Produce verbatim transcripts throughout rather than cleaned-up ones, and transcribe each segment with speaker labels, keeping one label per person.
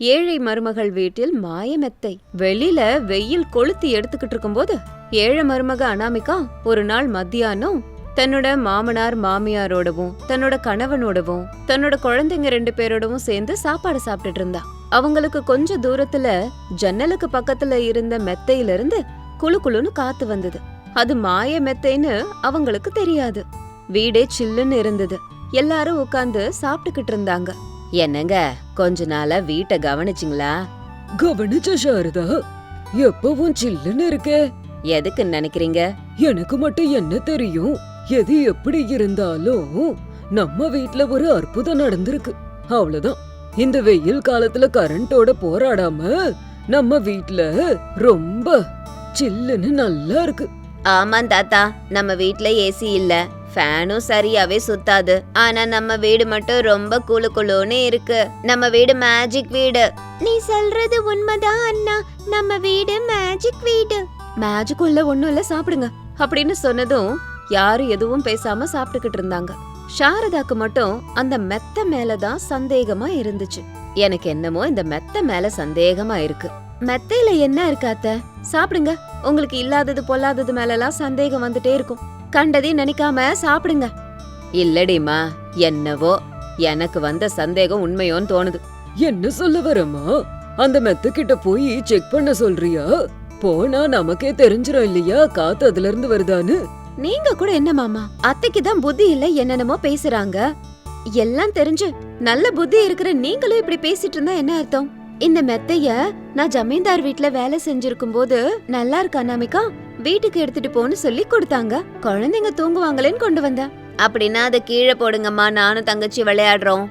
Speaker 1: ஏழை மருமகள் வீட்டில் மாயமெத்தை. வெளியில வெயில் கொளுத்தி எடுத்துக்கிட்டு இருக்கும்போது ஏழை மருமக அனாமிகா ஒரு நாள் மத்தியானம் தன்னோட மாமனார் மாமியாரோடவும் தன்னோட கணவனோடவும் தன்னோட குழந்தைங்க ரெண்டு பேரோடவும் சேர்ந்து சாப்பாடு சாப்பிட்டுட்டு இருந்தா. அவங்களுக்கு கொஞ்ச தூரத்துல ஜன்னலுக்கு பக்கத்துல இருந்த மெத்தையில இருந்து குளு குளுன்னு காத்து வந்தது. அது மாய மெத்தைன்னு அவங்களுக்கு தெரியாது. வீடே சில்லுன்னு இருந்தது. எல்லாரும் உட்கார்ந்து சாப்பிட்டுக்கிட்டு இருந்தாங்க. என்னங்க, கொஞ்ச நாளா வீட்டை கவனிச்சிங்களா?
Speaker 2: கவனிச்ச சாரதா, எப்பவும் சில்லுன்னு இருக்கே.
Speaker 1: எதுக்கு நினைக்கிறீங்க?
Speaker 2: எனக்கு மட்டும் என்ன தெரியும்? எது எப்படி இருந்தாலும் நம்ம வீட்ல ஒரு அற்புதம் நடந்திருக்கு, அவ்வளவுதான். இந்த வெயில் காலத்துல கரண்டோட போராடாம நம்ம வீட்ல ரொம்ப சில்லுன்னு நல்லா இருக்கு.
Speaker 1: ஆமா தாத்தா, நம்ம வீட்ல ஏசி இல்ல, ஃபேனும் சரியாவே சுத்தாது. ஆனா நம்ம வீடு மட்டும் ரொம்ப குளு குளுன்னு இருக்கு. நம்ம வீடு மேஜிக் வீடு. நீ சொல்றது உண்மைதான் அண்ணா, நம்ம வீடு மேஜிக் வீடு. மேஜிக் உள்ள ஒண்ணும் இல்ல, சாப்பிடுங்க அப்படின்னு சொன்னதும் யாரும் எதுவும் பேசாம சாப்பிட்டுக்கிட்டு இருந்தாங்க. சாரதாக்கு மட்டும் அந்த மெத்த மேலதான் சந்தேகமா இருந்துச்சு. எனக்கு என்னமோ இந்த மெத்த மேல சந்தேகமா இருக்கு. மெத்தையில என்ன இருக்காத்த? சாப்பிடுங்க. உங்களுக்கு இல்லாதது பொல்லாதது மேலலாம் சந்தேகம் வந்துட்டே இருக்கும். கண்டதையும் நினைக்காம சாப்பிடுங்க. இல்லடிமா, என்னவோ எனக்கு வந்த சந்தேகம் உண்மையோன்னு தோணுது.
Speaker 2: என்ன சொல்ல வரமா? அந்த மெத்த கிட்ட போய் செக் பண்ண சொல்றியா? போனா நமக்கே தெரிஞ்சிரும் இல்லையா காத்து அதுல இருந்து வருதான்னு?
Speaker 1: நீங்க கூட என்ன மாமா, அத்தைக்கு தான் புத்தி இல்ல, என்னென்னமோ பேசுறாங்க. எல்லாம் தெரிஞ்சு நல்ல புத்தி இருக்கிற நீங்களும் இப்படி பேசிட்டு இருந்தா என்ன அர்த்தம்? இந்த மெத்தைய நான் ஜமீன்தார் வீட்ல வேலை செஞ்சிருக்கும் போது நல்லா இருக்கு அனாமிகா, வீட்டுக்கு எடுத்துட்டு போன்னு சொல்லி கொடுத்தாங்க. குழந்தைங்க தூங்குவாங்களேன்னு கொண்டு வந்த. அப்படின்னா அதை கீழே போடுங்கம்மா, நானும் தங்கச்சி விளையாடுறோம்.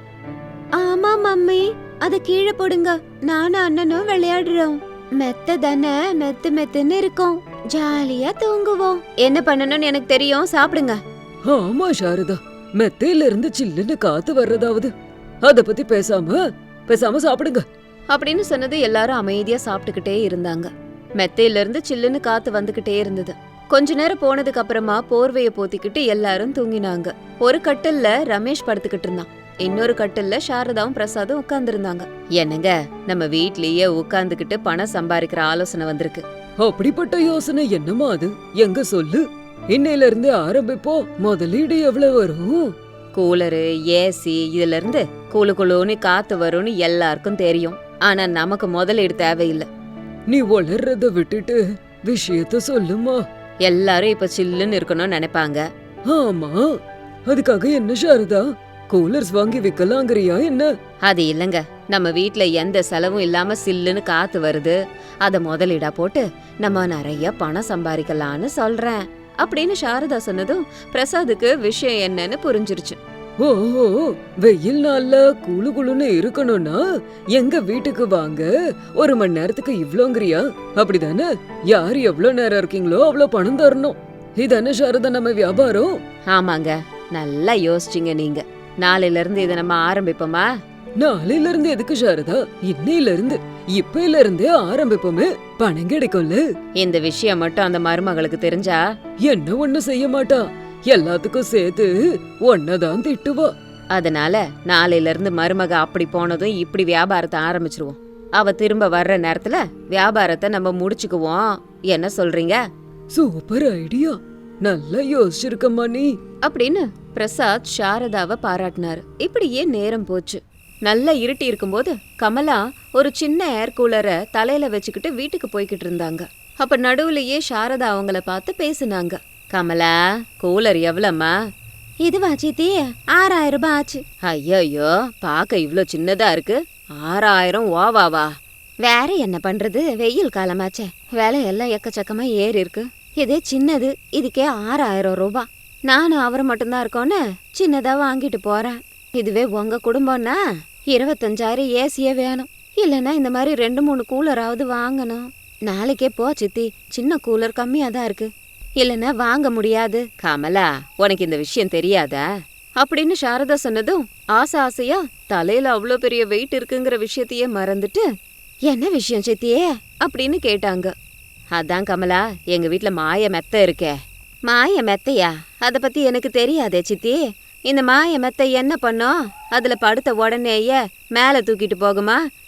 Speaker 1: ஆமா மம்மி, அத கீழே போடுங்க, நானும் அண்ணனும் விளையாடுறோம். மெத்த தானே, மெத்து மெத்துன்னு இருக்கும், ஜாலியா தூங்குவோம். என்ன பண்ணணும்னு எனக்கு தெரியும், சாப்பிடுங்க.
Speaker 2: ஆமா சாரதா, மெத்தையில இருந்து சில்லுன்னு காத்து வர்றதாவது அத பத்தி பேசாம பேசாம சாப்பிடுங்க
Speaker 1: அப்படின்னு சொன்னது எல்லாரும் அமைதியா சாப்பிட்டுக்கிட்டே இருந்தாங்க. மெத்தையில இருந்து சில்லுன்னு காத்து வந்துகிட்டே இருந்தது. கொஞ்ச நேரம் போனதுக்கு அப்புறமா போர்வைய போத்திக்கிட்டு எல்லாரும் தூங்கினாங்க. ஒரு கட்டில்ல ரமேஷ் படுத்துக்கிட்டு இருந்தான். இன்னொரு கட்டில்ல சாரதாவும் பிரசாதும் உட்கார்ந்து இருந்தாங்க. என்னங்க, நம்ம வீட்லயே உட்கார்ந்துகிட்டு பணம் சம்பாதிக்கிற ஆலோசனை வந்திருக்கு.
Speaker 2: அப்படிப்பட்ட யோசனை என்னமா அது? எங்க சொல்லு. இன்னையில இருந்து ஆரம்பிப்போம். முதலீடு எவ்வளவு வரும்?
Speaker 1: கூலரு, ஏசி, இதுல இருந்து குளு குளுன்னு காத்து வரும்னு எல்லாருக்கும் தெரியும். ஆனா நமக்கு முதலீடு தேவையில்லை.
Speaker 2: நீ வளர்றத விட்டுட்டு விஷயத்த சொல்லுமா.
Speaker 1: எல்லாரும் இப்ப சில்லுன்னு இருக்கணும்னு நினைப்பாங்க.
Speaker 2: ஆமா, அதுக்காக என்ன சாரதா, கூலர்ஸ் வாங்கி விக்கலாங்கறியா என்ன?
Speaker 1: அது இல்லங்க, நம்ம வீட்ல எந்த செலவும் இல்லாம சில்லுன்னு காத்து வருது, அத முதலீடா போட்டு நம்ம நிறைய பணம் சம்பாதிக்கலான்னு சொல்றேன் அப்படின்னு சாரதா சொன்னதும் பிரசாதுக்கு விஷயம் என்னன்னு புரிஞ்சிருச்சு.
Speaker 2: ஓஹோ, வெயில் நாள்ல குளு குளுன்னு இருக்கணும்னா எங்க வீட்டுக்கு வாங்க, ஒரு மணி நேரத்துக்கு இவ்ளோங்கறியா? அப்படிதானே? யார் எவ்வளவு நேரம் இருக்கீங்களோ அவ்வளவு பணம் தரணும். இதானே சாரதா நம்ம வியாபாரம்?
Speaker 1: ஆமாங்க, நல்லா யோசிச்சிங்க நீங்க. நாளையில இருந்து இதை நம்ம ஆரம்பிப்போமா?
Speaker 2: நாளையில இருந்து எதுக்கு சாரதா, இன்னையில இருந்து இப்பையில இருந்தே ஆரம்பிப்போமே, பணம் கிடைக்கும்ல.
Speaker 1: இந்த விஷயம் மட்டும் அந்த மருமகளுக்கு தெரிஞ்சா
Speaker 2: என்ன ஒண்ணு செய்ய மாட்டா, எல்லாத்துக்கும் சேர்த்து ஒன்னதான் திட்டுவா.
Speaker 1: அதனால நாளையில இருந்து மருமக அப்படி போனதும் இப்படி வியாபாரத்தை ஆரம்பிச்சிருவோம். அவ திரும்ப வர்ற நேரத்துல வியாபாரத்தை நம்ம முடிச்சுக்குவோம். என்ன சொல்றீங்க?
Speaker 2: சூப்பர் ஐடியா, நல்லா யோசிச்சிருக்கம்மா நீ
Speaker 1: அப்படின்னு பிரசாத் சாரதாவை பாராட்டினாரு. இப்படியே நேரம் போச்சு. நல்லா இருட்டி இருக்கும்போது கமலா ஒரு சின்ன ஏர் கூலரை தலையில வச்சுக்கிட்டு வீட்டுக்கு போய்கிட்டு இருந்தாங்க. அப்ப நடுவுலயே சாரதா அவங்கள பார்த்து பேசுனாங்க. கமலா, கூலர் எவ்வளவுமா? இதுவா சித்தி? ஆறாயிரம் ரூபாய் ஆச்சு. ஐயோ, பாக்க இவ்ளோ சின்னதா இருக்கு. ஆறாயிரம் ஓவாவா? வேற என்ன பண்றது, வெயில் காலமாச்சே, விலை எல்லாம் எக்கச்சக்கமா ஏறி இருக்கு. இதே சின்னது, இதுக்கே ஆறாயிரம் ரூபாய். நானும் அவர் மட்டும்தான் இருக்கோன்னு சின்னதா வாங்கிட்டு போறேன். இதுவே உங்க குடும்பம்னா இருபத்தஞ்சாயிரம் ஏசியே வேணும். இல்லைன்னா இந்த மாதிரி ரெண்டு மூணு கூலராவது வாங்கணும். நாளைக்கே போ சித்தி, சின்ன கூலர் கம்மியா தான் இருக்கு, இல்லைன்னா வாங்க முடியாது. கமலா, உனக்கு இந்த விஷயம் தெரியாதா? அப்படின்னு சாரதா சொன்னதும் ஆசை ஆசையா தலையில அவ்வளோ பெரிய வெயிட் இருக்குங்கிற விஷயத்தையே மறந்துட்டு, என்ன விஷயம் சித்தியே அப்படின்னு கேட்டாங்க. அதான் கமலா, எங்க வீட்டுல மாய மெத்த இருக்கே. மாய மெத்தையா? அத பத்தி எனக்கு தெரியாதே சித்தி. இந்த மாய மெத்தை என்ன பண்ணோம்? அதுல படுத்த உடனேயே மேல தூக்கிட்டு போகுமா,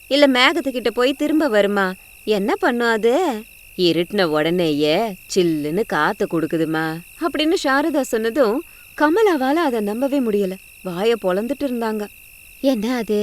Speaker 1: இல்ல மேகத்துக்கிட்ட போய் திரும்ப வருமா? என்ன பண்ணும் அது? இருட்டின உடனேயே சில்லுன்னு காத்து கொடுக்குதுமா அப்படின்னு சாரதா சொன்னதும் கமலாவால அதை நம்பவே முடியல. வாய பொளந்துட்டு இருந்தாங்க. என்ன அது?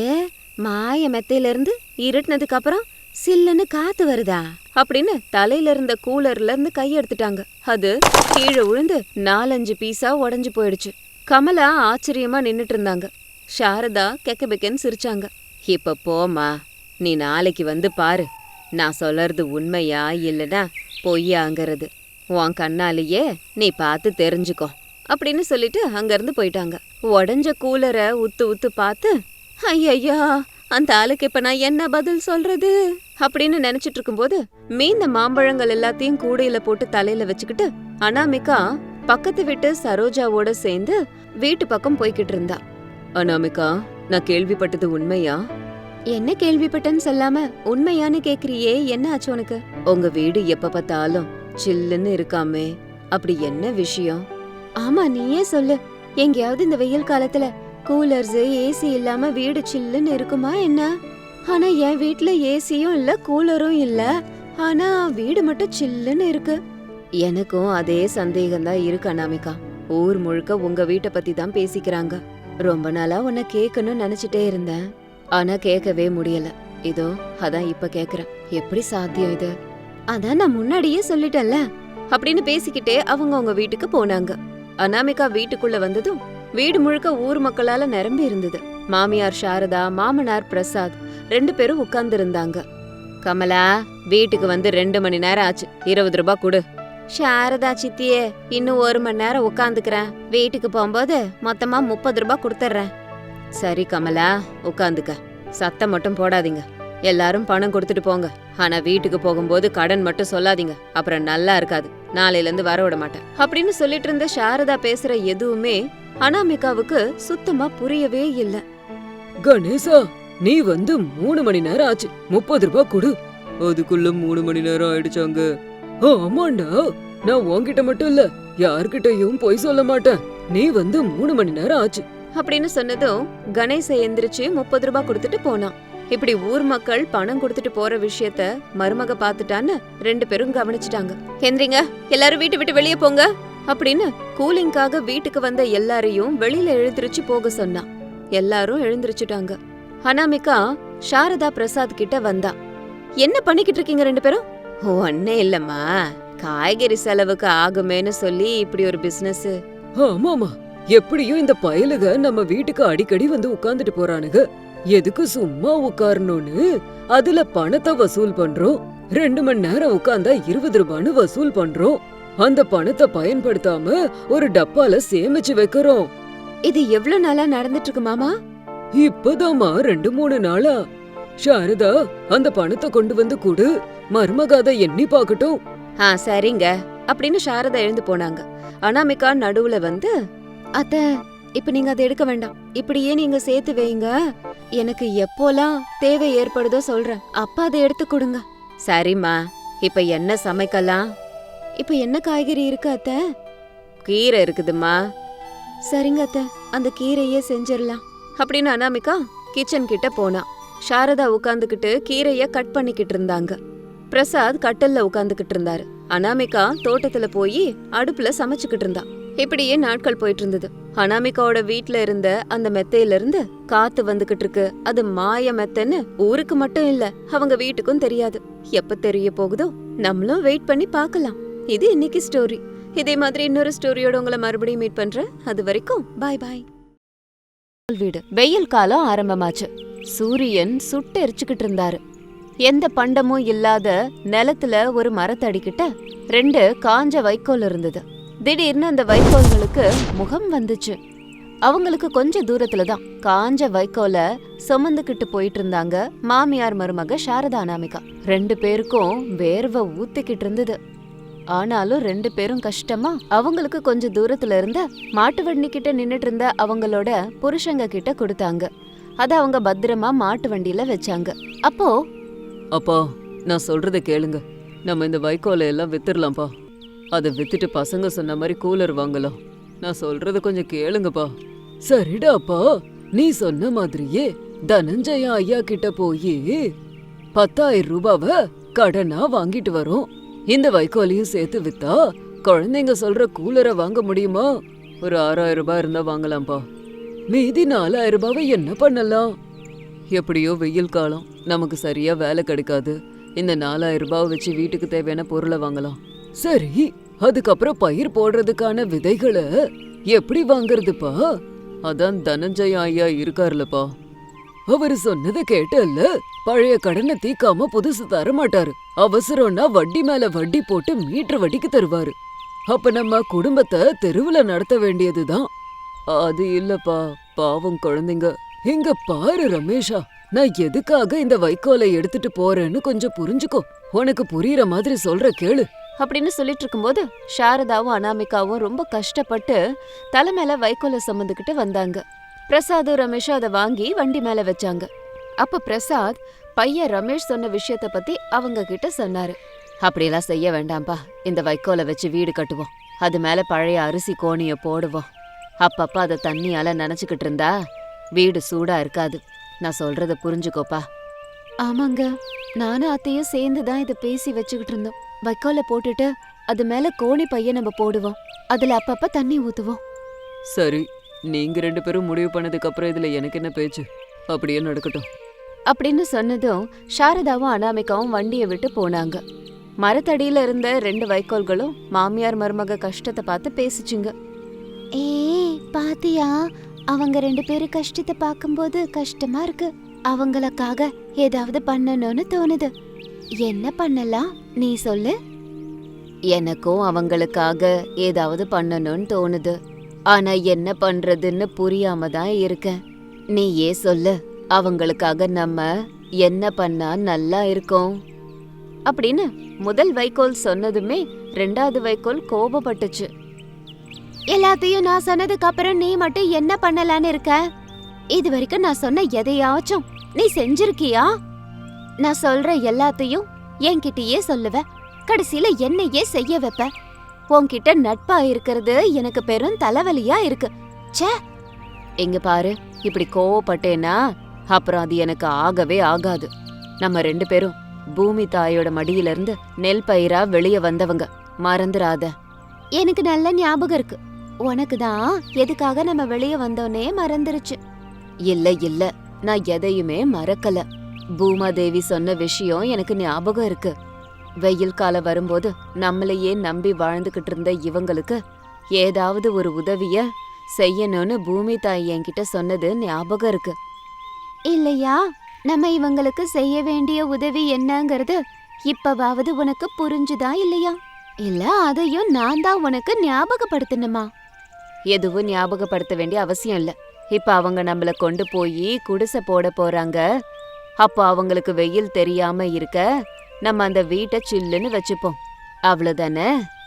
Speaker 1: மாய மெத்தையில இருந்து இருட்டினதுக்கு அப்புறம் சில்லுன்னு காத்து வருதா அப்படின்னு தலையில இருந்த கூலர்ல இருந்து கையெடுத்துட்டாங்க. அது கீழே விழுந்து நாலஞ்சு பீஸா உடஞ்சு போயிடுச்சு. கமலா ஆச்சரியமா நின்னுட்டு இருந்தாங்க. சாரதா கெக்கபெக்கன்னு சிரிச்சாங்க. இப்ப போமா, நீ நாளைக்கு வந்து பாரு, நான் சொல்லறது உண்மையா இல்லனா பொய்யாங்கிறது உன் கண்ணாலேயே நீ பார்த்து தெரிஞ்சுக்கோ அப்படின்னு சொல்லிட்டு அங்கிருந்து போயிட்டாங்க. உடஞ்ச கூலரை உத்து உத்து பார்த்து, ஐயா அந்த ஆளுக்கு இப்ப நான் என்ன பதில் சொல்றது அப்படின்னு நினைச்சிட்டு இருக்கும்போது மீந்த மாம்பழங்கள் எல்லாத்தையும் கூடையில போட்டு தலையில வச்சுக்கிட்டு அனாமிகா பக்கத்து வீட்டு சரோஜாவோட சேர்ந்து வீட்டு பக்கம் போய்கிட்டு இருந்தா. அனாமிகா, நான் கேள்விப்பட்டது உண்மையா? என்ன கேள்விப்பட்டேன்னு சொல்லாம உண்மையானு கேக்குறியே, என்ன ஆச்சு உனக்கு? உங்க வீடு எப்ப பார்த்தாலும் சில்லுன்னு இருக்காமே, அப்படி என்ன விஷயம்? ஆமா, நீயே சொல்லு. எங்கேயாவது இந்த வெயில் காலத்துல கூலர்ஸ் ஏசி இல்லாம வீடு சில்லுன்னு இருக்குமா என்ன? ஆனா என் வீட்ல ஏசியும் இல்ல கூலரும் இல்ல, ஆனா வீடு மட்டும் சில்லுன்னு இருக்கு. எனக்கும் அதே சந்தேகம் தான் இருக்கு அனாமிகா. ஊர் முழுக்க உங்க வீட்டை பத்தி தான் பேசிக்கிறாங்க. ரொம்ப நாளா உன்னை கேட்கணும்னு நினைச்சிட்டே இருந்தேன், ஆனா கேட்கவே முடியல. இதோ அதான் இப்ப கேக்குறேன். எப்படி சாத்தியம் இது? அதான் நான் முன்னாடியே சொல்லிட்டேன்ல அப்படின்னு பேசிக்கிட்டே அவங்க அவங்க வீட்டுக்கு போனாங்க. அனாமிகா வீட்டுக்குள்ள வந்ததும் வீடு முழுக்க ஊர் மக்களால நிரம்பி இருந்தது. மாமியார் சாரதா, மாமனார் பிரசாத் ரெண்டு பேரும் உட்கார்ந்து இருந்தாங்க. கமலா, வீட்டுக்கு வந்து ரெண்டு மணி நேரம் ஆச்சு, இருபது ரூபாய் கொடு. சாரதா சித்தியே, இன்னும் ஒரு மணி நேரம் உட்காந்துக்கிறேன், வீட்டுக்கு போகும்போது மொத்தமா முப்பது ரூபாய் கொடுத்துட்றேன். சரி கமலா, உட்காந்துக்க, சத்தம் மட்டும் போடாதீங்க, எல்லாரும் பணம் கொடுத்துட்டு போங்க. ஆனா வீட்டுக்கு போகும்போது கடன் மட்டும் சொல்லாதீங்க, அப்புறம் நல்லா இருக்காது, நாளையில இருந்து வர விட மாட்டேன் அப்படின்னு சொல்லிட்டு இருந்த சாரதா பேசுற எதுவுமே அனாமிகாவுக்கு சுத்தமா புரியவே இல்ல.
Speaker 2: கணேசா, நீ வந்து மூணு மணி நேரம் ஆச்சு, முப்பது ரூபாய் கொடு. அதுக்குள்ள மூணு மணி நேரம் ஆயிடுச்சாங்க. ஆமாண்டா, நான் உன்கிட்ட மட்டும் இல்ல யார்கிட்டயும் பொய் சொல்ல மாட்டேன். நீ வந்து மூணு மணி நேரம் ஆச்சு
Speaker 1: அப்படின்னு சொன்னதும் கணேச எந்திரிச்சு முப்பது ரூபாய் கொடுத்துட்டு போனான். இப்படி ஊர் மக்கள் பணம் கொடுத்துட்டு போற விஷயத்த மருமக பாத்துட்டான்னு ரெண்டு பேரும் கவனிச்சுட்டாங்க. எந்திரிங்க, எல்லாரும் வீட்டு விட்டு வெளியே போங்க அப்படின்னு கூலிங்காக வீட்டுக்கு வந்த எல்லாரையும் வெளியில எழுந்திருச்சு போக சொன்னான். எல்லாரும் எழுந்திருச்சுட்டாங்க. அனாமிகா சாரதா பிரசாத் கிட்ட வந்தா. என்ன பண்ணிக்கிட்டு இருக்கீங்க ரெண்டு பேரும்? ஒன்னே இல்லம்மா, காய்கறி செலவுக்கு ஆகுமேன்னு சொல்லி இப்படி ஒரு பிசினஸ்.
Speaker 2: ஆமாமா, எப்படியும் இந்த பயலுக நம்ம வீட்டுக்கு அடிக்கடி வந்து உட்கார்ந்துட்டு போறானுங்க, எதுக்கு சும்மா உட்காரணும்னு அதுல பணத்தை வசூல் பண்றோம். ரெண்டு மணி நேரம் உட்கார்ந்தா இருபது ரூபான்னு வசூல் பண்றோம். அந்த பணத்தை பயன்படுத்தாம ஒரு டப்பால சேமிச்சு வைக்கிறோம்.
Speaker 1: இது எவ்வளவு நாளா நடந்துட்டு இருக்கு மாமா?
Speaker 2: இப்பதாமா ரெண்டு மூணு நாளா. சாரதா, அந்த பணத்தை கொண்டு வந்து கொடு, மருமகாத எண்ணி பாக்கட்டும்.
Speaker 1: ஆ சரிங்க அப்படின்னு சாரதா எழுந்து போனாங்க. அனாமிகா நடுவுல வந்து, அத்த இப்ப நீங்க அதை எடுக்க வேண்டாம், இப்படியே நீங்க சேர்த்து வைங்க, எனக்கு எப்போலாம் தேவை ஏற்படுதோ சொல்றேன், அப்பா அதை எடுத்து கொடுங்க. சரிம்மா, இப்ப என்ன சமைக்கலாம்? இப்ப என்ன காய்கறி இருக்கு அத்த? கீரை இருக்குதுமா. சரிங்க அத்த, அந்த கீரையே செஞ்சிடலாம் அப்படின்னு அனாமிகா கிச்சன் கிட்ட போனா. சாரதா உட்காந்துக்கிட்டு கீரைய கட் பண்ணிக்கிட்டு இருந்தாங்க. பிரசாத் கட்டல்ல உட்காந்துக்கிட்டு இருந்தாரு. அனாமிகா தோட்டத்துல போய் அடுப்புல சமைச்சுக்கிட்டு இருந்தா. இப்படியே நாட்கள் போயிட்டு இருந்தது. அனாமிகாவோட வீட்ல இருந்த அந்த மெத்தையில இருந்து காத்து வந்துகிட்டு இருக்கு. அது மாய மெத்தைன்னு ஊருக்கு மட்டும் இல்ல, அவங்க வீட்டுக்கும் தெரியாது. எப்ப தெரிய போகுதோ நம்மளும் வெயிட் பண்ணி பார்க்கலாம். இது இன்னைக்கு ஸ்டோரி. இதே மாதிரி இன்னொரு ஸ்டோரியோட உங்களை மறுபடியும் மீட் பண்றேன். அது வரைக்கும் பாய் பாய். வீடு வெயில் காலம் ஆரம்பமாச்சு. சூரியன் சுட்டு எரிச்சுக்கிட்டு இருந்தாரு. எந்த பண்டமும் இல்லாத நிலத்துல ஒரு மரத்தடிக்கிட்ட ரெண்டு காஞ்ச வைக்கோல் இருந்தது. திடீர்னு அந்த வைக்கோல்களுக்கு முகம் வந்துச்சு. அவங்களுக்கு கொஞ்ச தூரத்துலதான் காஞ்ச வைக்கோல சுமந்துக்கிட்டு போயிட்டு இருந்தாங்க மாமியார் மருமக சாரதா அனாமிகா. ரெண்டு பேருக்கும் வேர்வை ஊத்திக்கிட்டு இருந்தது. ஆனாலும் ரெண்டு பேரும் கஷ்டமா அவங்களுக்கு கொஞ்ச தூரத்துல இருந்த மாட்டு வண்டி கிட்ட நின்னுட்டு இருந்த அவங்களோட புருஷங்க கிட்ட கொடுத்தாங்க. அத அவங்க பத்திரமா மாட்டு வண்டியில வச்சாங்க. அப்போ,
Speaker 2: அப்பா, நான் சொல்றத கேளுங்க, நம்ம இந்த வைக்கோலை எல்லாம் வித்துடலாம்ப்பா. அதை வித்துட்டு பசங்க சொன்ன மாதிரி கூலர் வாங்கலாம். நான் சொல்றத கொஞ்சம் கேளுங்கப்பா. சரிடாப்பா, நீ சொன்ன மாதிரியே தனஞ்சய ஐயா கிட்ட போய் பத்தாயிரம் ரூபாவ கடனா வாங்கிட்டு வரோம். இந்த வைக்கோலையும் சேர்த்து வித்தா குழந்தைங்க சொல்ற கூலரை வாங்க முடியுமா? ஒரு ஆறாயிரம் ரூபாய் இருந்தா வாங்கலாம்ப்பா. மீதி நாலாயிரம் ரூபாவை என்ன பண்ணலாம்? எப்படியோ வெயில் காலம், நமக்கு சரியா வேலை கிடைக்காது. இந்த நாலாயிரம் ரூபாவை வச்சு வீட்டுக்கு தேவையான பொருளை வாங்கலாம். சரி, அதுக்கப்புறம் பயிர் போடுறதுக்கான விதைகளை எப்படி வாங்குறதுப்பா? அதான் தனஞ்சய ஐயா இருக்காருலப்பா, அவரு சொன்னதை கேட்டல்ல. பழைய கடனை தீக்காம புதுசு தர மாட்டாரு. அவசரம்னா வட்டி மேல வட்டி போட்டு மீட்டர் வட்டிக்கு தருவாரு. அப்ப நம்ம குடும்பத்தை தெருவுல நடத்த வேண்டியதுதான். அது இல்லப்பா, பாவம் குழந்தைங்க. இங்க பாரு ரமேஷா, நான் எதுக்காக இந்த வைக்கோலை எடுத்துட்டு போறேன்னு கொஞ்சம் புரிஞ்சுக்கோ. உனக்கு புரியுற மாதிரி சொல்ற கேளு
Speaker 1: அப்படின்னு சொல்லிட்டு இருக்கும்போது சாரதாவும் அனாமிகாவும் ரொம்ப கஷ்டப்பட்டு தலை மேல வைக்கோலை சுமந்துக்கிட்டு வந்தாங்க. பிரசாதும் ரமேஷும் அதை வாங்கி வண்டி மேல வச்சாங்க. அப்ப பிரசாத் பையன் ரமேஷ் சொன்ன விஷயத்த பத்தி அவங்க கிட்ட சொன்னாரு. அப்படியெல்லாம் செய்ய வேண்டாம்பா, இந்த வைக்கோலை வச்சு வீடு கட்டுவோம். அது மேல பழைய அரிசி கோணிய போடுவோம். அப்பப்ப அதை தண்ணியால நனைச்சுக்கிட்டு இருந்தா வீடு சூடா இருக்காது. நான் சொல்றத புரிஞ்சுக்கோப்பா. ஆமாங்க, நானும் அத்தையும் சேர்ந்துதான் இதை பேசி வச்சுக்கிட்டு இருந்தோம். வைக்கோலை போட்டுட்டு அது மேல கோணி பைய நம்ம போடுவோம். அதுல அப்பப்ப தண்ணி ஊத்துவோம்.
Speaker 2: சரி, நீங்க ரெண்டு பேரும் முடிவு பண்ணதுக்கு அப்புறம் இதுல எனக்கு என்ன பேச்சு? அப்படியே நடக்கட்டும்
Speaker 1: அப்படின்னு சொன்னதும் சாரதாவும் அனாமிகாவும் வண்டியை விட்டு போனாங்க. மரத்தடியில இருந்த ரெண்டு வைக்கோல்களும் மாமியார் மருமக கஷ்டத்தை பார்த்து பேசிச்சுங்க. ஏ பாத்தியா, அவங்க ரெண்டு பேரும் கஷ்டத்தை பார்க்கும்போது கஷ்டமா இருக்கு. அவங்களுக்காக ஏதாவது பண்ணணும்னு தோணுது. என்ன பண்ணலாம் நீ சொல்லு? எனக்கும் அவங்களுக்காக ஏதாவது பண்ணணும்னு தோணுது. ஆனா என்ன பண்றதுன்னு புரியாம தான் இருக்கேன். நீ ஏ சொல்லு, அவங்களுக்காக நம்ம என்ன பண்ணா நல்லா இருக்கும் அப்படின்னு முதல் வைக்கோல் சொன்னதுமே ரெண்டாவது வைக்கோல் கோபப்பட்டுச்சு. எல்லாத்தையும் நான் சொன்னதுக்கு அப்புறம் நீ மட்டும் என்ன பண்ணலான்னு இருக்க? இது வரைக்கும் நான் சொன்ன எதையாச்சும் நீ செஞ்சிருக்கியா? நான் சொல்ற எல்லாத்தையும் என்கிட்டயே சொல்லுவ, கடைசியில என்னையே செய்ய வைப்ப. உன்கிட்ட நட்பா இருக்கிறது எனக்கு பெரும் தலைவலியா இருக்கு. ச்சே, எங்க பாரு, இப்படி கோவப்பட்டேனா அப்புறம் அது எனக்கு ஆகவே ஆகாது. நம்ம ரெண்டு பேரும் பூமி தாயோட மடியில இருந்து நெல் பயிரா வெளிய வந்தவங்க, மறந்துடாத. எனக்கு நல்ல ஞாபகம் இருக்கு. உனக்கு தான் எதுக்காக நம்ம வெளிய வந்தோன்னே மறந்துருச்சு. இல்ல இல்ல, நான் எதையுமே மறக்கல. பூமாதேவி சொன்ன விஷயம் எனக்கு ஞாபகம் இருக்கு. வெயில் காலம் வரும்போது நம்மளையே நம்பி வாழ்ந்துகிட்டு இருந்த இவங்களுக்கு ஏதாவது ஒரு உதவிய செய்யணும்னு பூமி தாய் என்கிட்ட சொன்னது ஞாபகம் இருக்கு. இல்லையா, நம்ம இவங்களுக்கு செய்ய வேண்டிய உதவி என்னங்கிறது இப்பவாவது உனக்கு புரிஞ்சுதா இல்லையா? இல்ல அதையும் நான் தான் உனக்கு ஞாபகப்படுத்தணுமா? எதுவும் ஞாபகப்படுத்த வேண்டிய அவசியம் இல்ல. இப்ப அவங்க நம்மள கொண்டு போய் குடிசை போட போறாங்க. அப்போ அவங்களுக்கு வெயில் தெரியாம இருக்க நம்ம அந்த வீட்டை சில்லுன்னு வச்சுப்போம், அவ்வளவுதானே?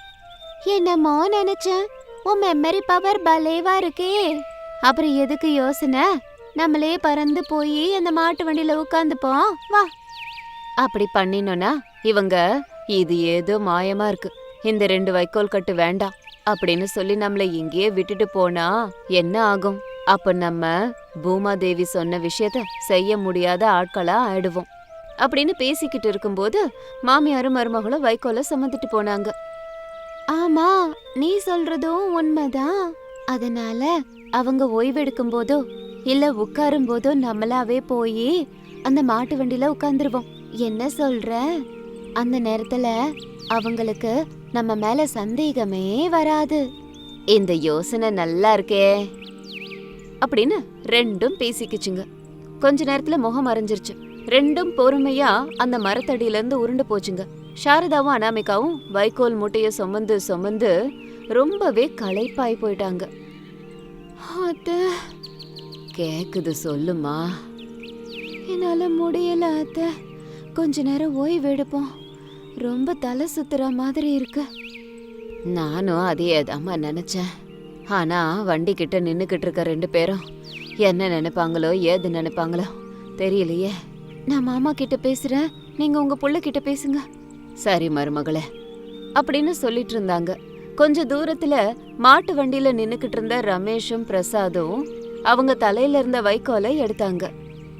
Speaker 1: என்னமோ நினைச்சேன், உன் மெமரி பவர் பலேவா இருக்கே. அப்புறம் எதுக்கு யோசனை? நம்மளே பறந்து போய் அந்த மாட்டு வண்டியில உட்காந்துப்போம் வா. அப்படி பண்ணினோன்னா இவங்க இது ஏதோ மாயமா இருக்கு, இந்த ரெண்டு வைக்கோல் கட்டு வேண்டாம் அப்படின்னு சொல்லி நம்மள இங்கேயே விட்டுட்டு போனா என்ன ஆகும்? அப்ப நம்ம பூமாதேவி சொன்ன விஷயத்த செய்ய முடியாத ஆட்களா ஆயிடுவோம் அப்படின்னு பேசிக்கிட்டு இருக்கும்போது மாமியாரும் மருமகளும் வைக்கோல சுமந்துட்டு போனாங்க. ஆமா, நீ சொல்றதும் உண்மைதான். அதனால அவங்க ஓய்வெடுக்கும் போதோ இல்ல உட்காரும் போதோ நம்மளாவே போய் அந்த மாட்டு வண்டியில உட்கார்ந்துருவோம். என்ன சொல்ற? அந்த நேரத்துல அவங்களுக்கு நம்ம மேல சந்தேகமே வராது. இந்த யோசனை நல்லா இருக்கே அப்படின்னு ரெண்டும் பேசிக்கிச்சுங்க. கொஞ்ச நேரத்துல முகம் மறைஞ்சிருச்சு. ரெண்டும் பொறுமையா அந்த மரத்தடியில இருந்து உருண்டு போச்சுங்க. சாரதாவும் அனாமிகாவும் வைக்கோல் மூட்டைய சுமந்து சுமந்து ரொம்பவே களைப்பாய் போயிட்டாங்க. கேக்குது, சொல்லுமா. என்னால முடியல அத்தை, கொஞ்ச நேரம் ஓய்வு எடுப்போம். ரொம்ப தலை சுத்துற மாதிரி இருக்கு. நானும் அதே தாம்மா நினைச்சேன். ஆனா வண்டி கிட்ட நின்னுக்கிட்டு இருக்க ரெண்டு பேரும் என்ன நினைப்பாங்களோ ஏது நினைப்பாங்களோ தெரியலையே. நான் மாமா கிட்ட பேசுறேன், நீங்க உங்க புள்ள கிட்ட பேசுங்க. சரி மருமகளே அப்படின்னு சொல்லிட்டு இருந்தாங்க. கொஞ்ச தூரத்துல மாட்டு வண்டியில நின்னுக்கிட்டு இருந்த ரமேஷும் பிரசாதும் அவங்க தலையில இருந்த வைக்கோலை எடுத்தாங்க.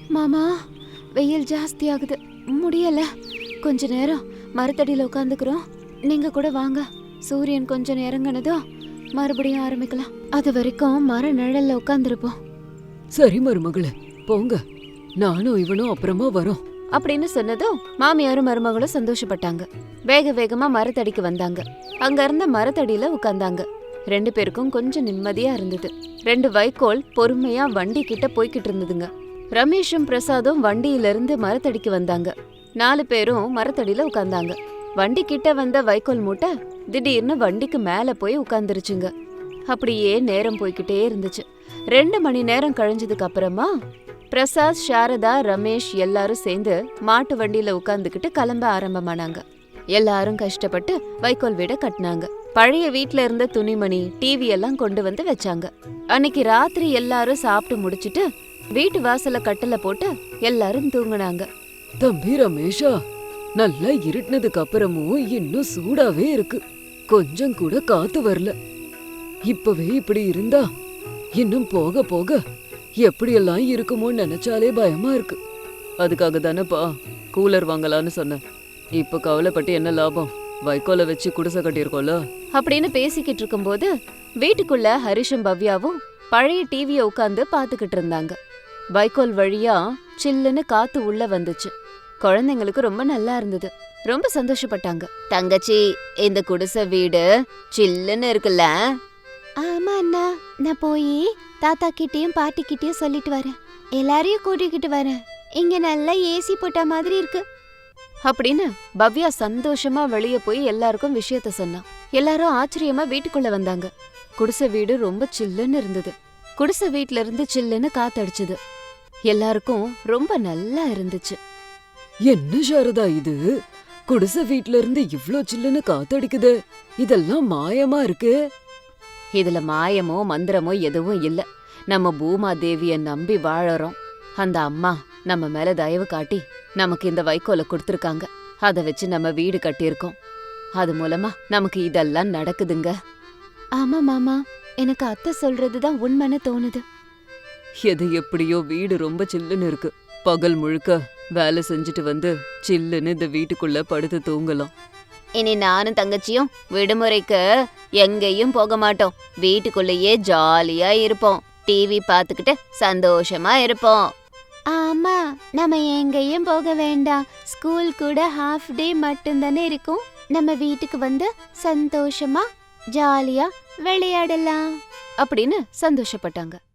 Speaker 1: மாமா, வெயில் ஜாஸ்தி ஆகுது, முடியல. கொஞ்ச நேரம் மரத்தடியில உட்காந்துக்கிறோம். நீங்க கூட வாங்க. சூரியன் கொஞ்சம் இறங்குனதும் மறுபடியும் ஆரம்பிக்கலாம். அது வரைக்கும் மர நிழல்ல உட்காந்துருப்போம்.
Speaker 2: சரி மருமகளே, போங்க. நானும் இவனும் அப்புறமா வரோம்
Speaker 1: அப்படின்னு சொன்னதும் மாமியாரும் மருமகளும் சந்தோஷப்பட்டாங்க. வேக வேகமா மரத்தடிக்கு வந்தாங்க. அங்க இருந்த மரத்தடியில உட்கார்ந்தாங்க. ரெண்டு பேருக்கும் கொஞ்சம் நிம்மதியா இருந்தது. ரெண்டு வைக்கோல் பொறுமையா வண்டி கிட்ட போய்கிட்டு இருந்ததுங்க. ரமேஷும் பிரசாதும் வண்டியில இருந்து மரத்தடிக்கு வந்தாங்க. நாலு பேரும் மரத்தடியில உட்கார்ந்தாங்க. வண்டி கிட்ட வந்த வைக்கோல் மூட்டை திடீர்னு வண்டிக்கு மேல போய் உட்கார்ந்துருச்சுங்க. அப்படியே நேரம் போய்கிட்டே இருந்துச்சு. ரெண்டு மணி நேரம் கழிஞ்சதுக்கு அப்புறமா பிரசாத், சாரதா, ரமேஷ் எல்லாரும் சேர்ந்து மாட்டு வண்டியில உட்கார்ந்துக்கிட்டு கிளம்ப ஆரம்பமானாங்க. எல்லாரும் கஷ்டப்பட்டு வைக்கோல் வீட கட்டினாங்க. பழைய வீட்ல இருந்த துணிமணி, டிவி எல்லாம் கொண்டு வந்து வச்சாங்க. அன்னைக்கு ராத்திரி எல்லாரும் சாப்பிட்டு முடிச்சிட்டு வீட்டு வாசல்ல கட்டில போட்டு எல்லாரும் தூங்குனாங்க.
Speaker 2: தம்பி ரமேஷா, நல்லா இருட்டினதுக்கு அப்புறமும் இன்னும் சூடாவே இருக்கு. கொஞ்சம் கூட காத்து வரல. இப்பவே இப்படி இருந்தா இன்னும் போக போக எப்படியெல்லாம் இருக்குமோன்னு நினைச்சாலே பயமா இருக்கு. அதுக்காக தானேப்பா கூலர் வாங்கலான்னு சொன்னேன். இப்ப கவலைப்பட்டு என்ன லாபம்? வைக்கோலை வச்சு குடிசை கட்டியிருக்கோம்ல
Speaker 1: அப்படின்னு பேசிக்கிட்டு இருக்கும்போது வீட்டுக்குள்ள ஹரிஷும் பவ்யாவும் பழைய டிவியை உட்காந்து பாத்துக்கிட்டு இருந்தாங்க. வைக்கோல் வழியா சில்லுன்னு காத்து உள்ள வந்துச்சு. குழந்தைங்களுக்கு ரொம்ப நல்லா இருந்தது. ரொம்ப சந்தோஷப்பட்டாங்க. தங்கச்சி, இந்த குடிசை வீடு சில்லுன்னு இருக்குல்ல? ஆமா அண்ணா, நான் போய் தாத்தா கிட்டயும் பாட்டி கிட்டயும் சொல்லிட்டு வரேன். எல்லாரையும் கூட்டிக்கிட்டு வரேன். இங்க நல்லா ஏசி போட்ட மாதிரி இருக்கு அப்படின்னு பவ்யா சந்தோஷமா வெளியே போய் எல்லாருக்கும் விஷயத்த சொன்னா. எல்லாரும் ஆச்சரியமா வீட்டுக்குள்ள வந்தாங்க. குடிசை வீடு ரொம்ப சில்லுன்னு இருந்தது. குடிசை வீட்ல இருந்து சில்லுன்னு காத்தடிச்சுது. எல்லாருக்கும் ரொம்ப நல்லா இருந்துச்சு.
Speaker 2: என்ன சாரதா இது? குடிசை வீட்ல இருந்து இவ்ளோ சில்லுன்னு காத்தடிக்குது. இதெல்லாம் மாயமா இருக்கு.
Speaker 1: இதுல மாயமோ மந்திரமோ எதுவும் இல்ல. நம்ம பூமா தேவிய நம்பி வாழறோம். அந்த அம்மா நம்ம மேல தயவு காட்டி நமக்கு இந்த வைக்கோலை கொடுத்துருக்காங்க. அதை வச்சு நம்ம வீடு கட்டியிருக்கோம். அது மூலமா நமக்கு இதெல்லாம் நடக்குதுங்க. ஆமா மாமா, எனக்கு அத்தை சொல்றதுதான் உண்மைன்னு தோணுது.
Speaker 2: எது எப்படியோ வீடு ரொம்ப சில்லுன்னு இருக்கு. பகல் முழுக்க வேலை செஞ்சுட்டு வந்து சில்லுன்னு இந்த வீட்டுக்குள்ள படுத்து தூங்கலாம்.
Speaker 1: இனி நானும் தங்கச்சியும் விடுமுறைக்கு எங்கேயும் போக மாட்டோம். வீட்டுக்குள்ளேயே ஜாலியா இருப்போம். டிவி பார்த்துக்கிட்டு சந்தோஷமா இருப்போம். ஆமா, நம்ம எங்கேயும் போக வேண்டாம். ஸ்கூல் கூட ஹாஃப் டே மட்டும்தானே இருக்கும். நம்ம வீட்டுக்கு வந்து சந்தோஷமா ஜாலியா விளையாடலாம் அப்படின்னு சந்தோஷப்பட்டாங்க.